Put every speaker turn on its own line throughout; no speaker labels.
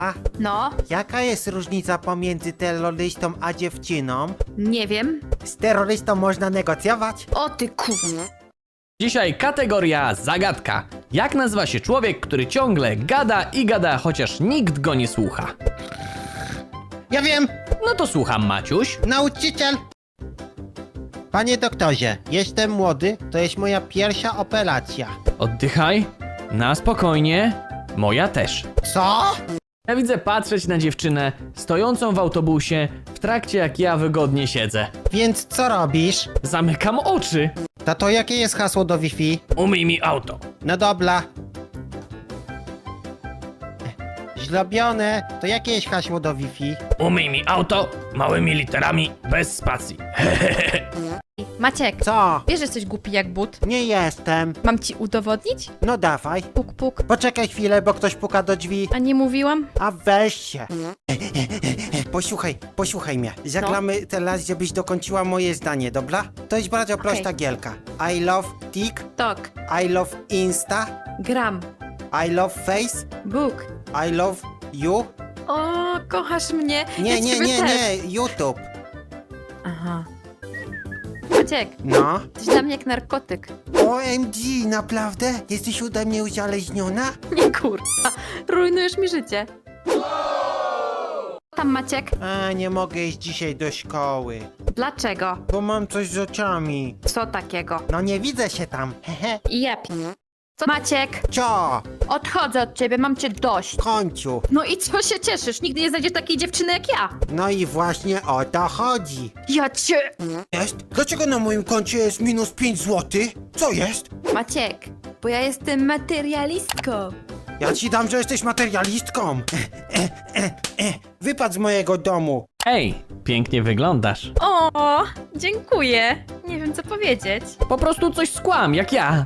A
No,
jaka jest różnica pomiędzy terrorystą a dziewczyną?
nie wiem.
Z terrorystą można negocjować?
O ty kurwa.
Dzisiaj kategoria zagadka. Jak nazywa się człowiek, który ciągle gada i gada, chociaż nikt go nie słucha?
Ja wiem,
No to słucham, Maciuś.
nauczyciel. Panie doktorze, jestem młody, to jest moja pierwsza operacja.
Oddychaj. Na spokojnie. Moja też.
Co?
Ja widzę patrzeć na dziewczynę stojącą w autobusie w trakcie jak ja wygodnie siedzę.
Więc co robisz?
Zamykam oczy.
Tato, jakie jest hasło do Wi-Fi?
Umyj mi auto.
No dobra. Zrobione. To jakie jest hasło do Wi-Fi?
Umyj mi auto małymi literami bez spacji.
Maciek,
Co?
wiesz, że jesteś głupi jak but?
Nie jestem.
Mam ci udowodnić?
No dawaj.
Puk, puk.
Poczekaj chwilę, bo ktoś puka do drzwi.
A nie mówiłam?
A weź się. Posłuchaj mnie. Zagramy teraz, żebyś dokończyła moje zdanie, dobra? To jest bardzo prosta gierka. I love TikTok.
Tok.
I love Insta.
Gram.
I love Face.
Book.
I love you.
O, kochasz mnie. Ja
Nie,
ciebie też.
nie, YouTube.
Aha. Maciek,
No.
jesteś dla mnie jak narkotyk.
OMG, naprawdę? Jesteś ode mnie uzależniona?
Nie kurwa. Rujnujesz mi życie. Tam Maciek.
A, nie mogę iść dzisiaj do szkoły,
Dlaczego?
bo mam coś z oczami.
Co takiego?
No nie widzę się tam. Hehe.
I ja Co? Maciek,
Co?
odchodzę od ciebie, mam cię dość.
W końcu.
No i co się cieszysz? Nigdy nie znajdziesz takiej dziewczyny jak ja.
No i właśnie o to chodzi.
Ja cię...
Jest? Dlaczego na moim koncie jest minus 5 zł? Co jest?
Maciek, bo ja jestem materialistką.
Ja ci dam, że jesteś materialistką. Wypadł z mojego domu.
Ej, pięknie wyglądasz.
O, dziękuję. Nie wiem co powiedzieć.
Po prostu coś skłam, jak ja.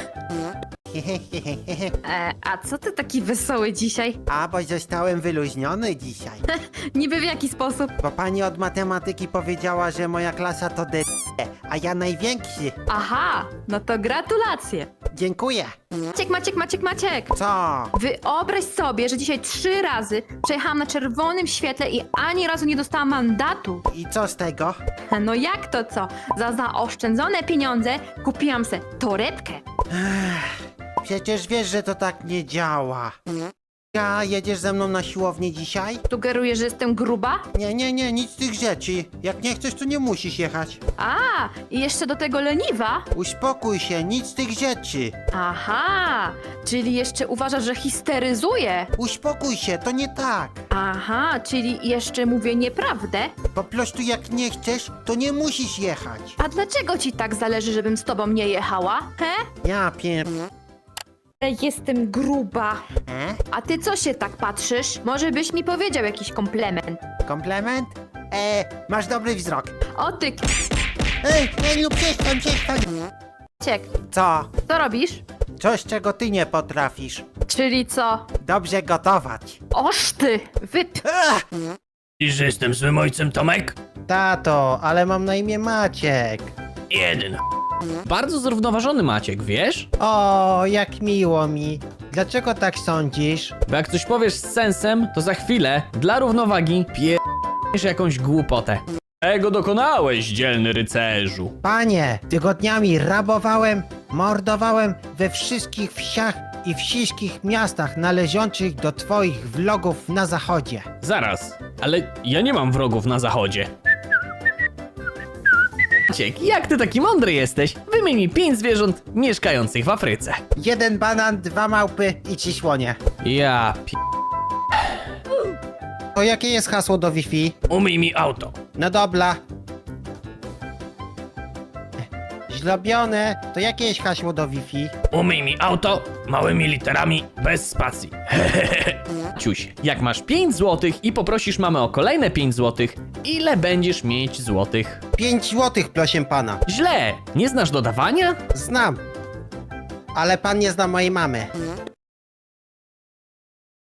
A co ty taki wesoły dzisiaj?
A, bo zostałem wyluźniony dzisiaj.
Niby w jaki sposób?
Bo pani od matematyki powiedziała, że moja klasa to d... a ja największy.
Aha, no to gratulacje.
Dziękuję.
Maciek.
Co?
Wyobraź sobie, że dzisiaj 3 razy przejechałam na czerwonym świetle i ani razu nie dostałam mandatu.
I co z tego?
No jak to co? Za zaoszczędzone pieniądze kupiłam se torebkę.
Przecież wiesz, że to tak nie działa. Ja, jedziesz ze mną na siłownię dzisiaj?
Sugeruję, że jestem gruba?
Nie, nic z tych rzeczy. Jak nie chcesz, to nie musisz jechać.
A, i jeszcze do tego leniwa?
Uspokój się, nic z tych rzeczy.
Aha, czyli jeszcze uważasz, że histeryzuję?
Uspokój się, to nie tak.
Aha, czyli jeszcze mówię nieprawdę?
Po prostu jak nie chcesz, to nie musisz jechać.
A dlaczego ci tak zależy, żebym z tobą nie jechała? He?
Ja pier...
Jestem gruba.
E?
A ty co się tak patrzysz? Może byś mi powiedział jakiś komplement?
Komplement? Masz dobry wzrok.
O ty,
Ej, przestań.
Ciek,
Co?
co robisz?
Coś, czego ty nie potrafisz.
Czyli co?
Dobrze gotować.
Oż ty,
I że jestem złym ojcem, Tomek?
Tato, ale mam na imię Maciek.
Jeden. Bardzo zrównoważony Maciek, wiesz?
O, jak miło mi. Dlaczego tak sądzisz?
Bo jak coś powiesz z sensem, to za chwilę, dla równowagi, pierdolisz jakąś głupotę. Ego dokonałeś, dzielny rycerzu.
Panie, tygodniami rabowałem, mordowałem we wszystkich wsiach i wszystkich miastach należących do twoich vlogów na zachodzie.
Zaraz, ale ja nie mam wrogów na zachodzie. Maciek, jak ty taki mądry jesteś? Wymień mi 5 zwierząt mieszkających w Afryce.
1 banan, 2 małpy i 3 słonie.
Ja
To jakie jest hasło do Wi-Fi?
Umyj mi auto.
No dobra. Zrobione. To jakie jest hasło do Wi-Fi?
Umyj mi auto małymi literami bez spacji. Ciuś, jak masz 5 złotych i poprosisz mamę o kolejne 5 złotych, ile będziesz mieć złotych?
5 złotych, proszę pana.
Źle! Nie znasz dodawania?
Znam. Ale pan nie zna mojej mamy.